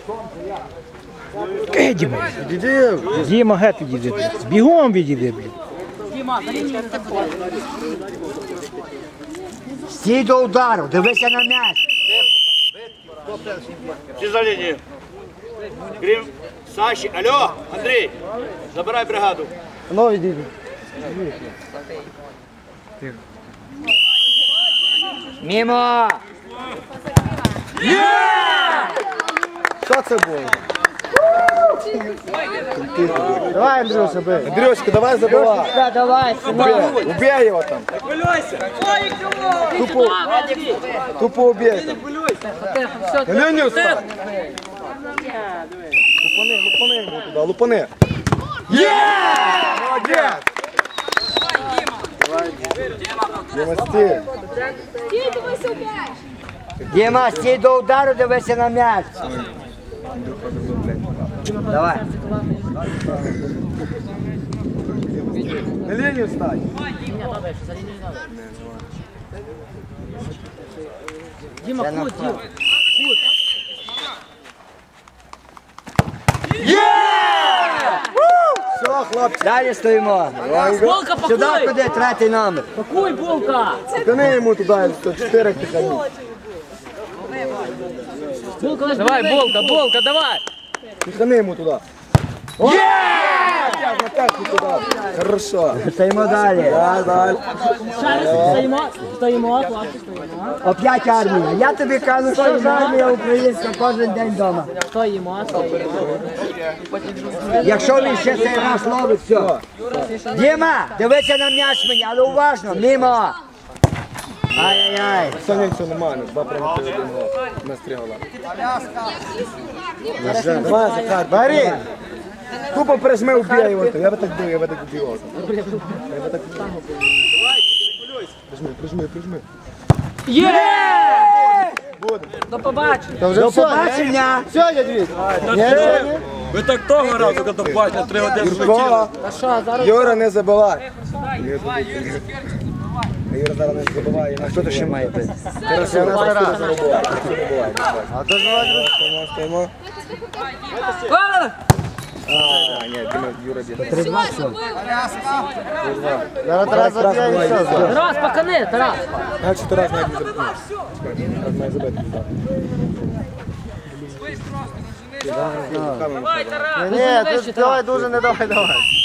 Діма. Діма, геть відійди. Бігом відійди, блін. Стій до удару, дивися на м'яч. Всі за лінію. Крім Саші. Алло, Андрій, забирай бригаду. Ну, відійди. Мімо! Що це було? Давай, Андрюша, бей. Андрюшка, давай забивай. Да, давай, Убей его там. Тупо убей там. Лінію встань. Лупани йому туди, лупани. Молодець! Діма, стій. Діма, стій до удару, дивися на м'яч. Давай. На лінію встань. Діма, кут, Діма. Все, хлопці. Далі стоїмо. Булка, пакуй! Сюди куди, третій номер. Пакуй, булка! Тяни йому туди, 4 тихані. Булка, давай, булка, давай! Тихани йому туди. На п'ятку туди. Хорошо. Стоїмо далі. Далі. Стоїмо, хлопці, стоїмо. Оп'ять армія. Я тобі кажу, що ж армія українська кожен день вдома. Стоїмо. Якщо він ще цей раз ловить, все. Діма, дивися на м'яч мені, але уважно, мімо. Ай-яй-яй. Саня, все нормально. 2 прийняти, 1 гол. На 3 гола. Давай, Захар, бери. Тупо прижми, убей його. Я би так бив, я би так убив. Я би так прижми. Є! Буде. До побачення! До побачення. Все, дядь Віть. Ви так того разу, коли бачите, 3 години Юрко, А що, зараз? Юра, не забивай. Юра зараз не забиває. Хто то ще має бути? Хорошо, не забивай. А то стоїмо. А, ні, Юра б'є. 3-2 все. Зараз Тарас заб'є і все. Тарас, пакани, Тарас! Значить, Тарас навіть не забив. Тарас має забити. Давай, Тарас! Ні, тут давай дуже не давай.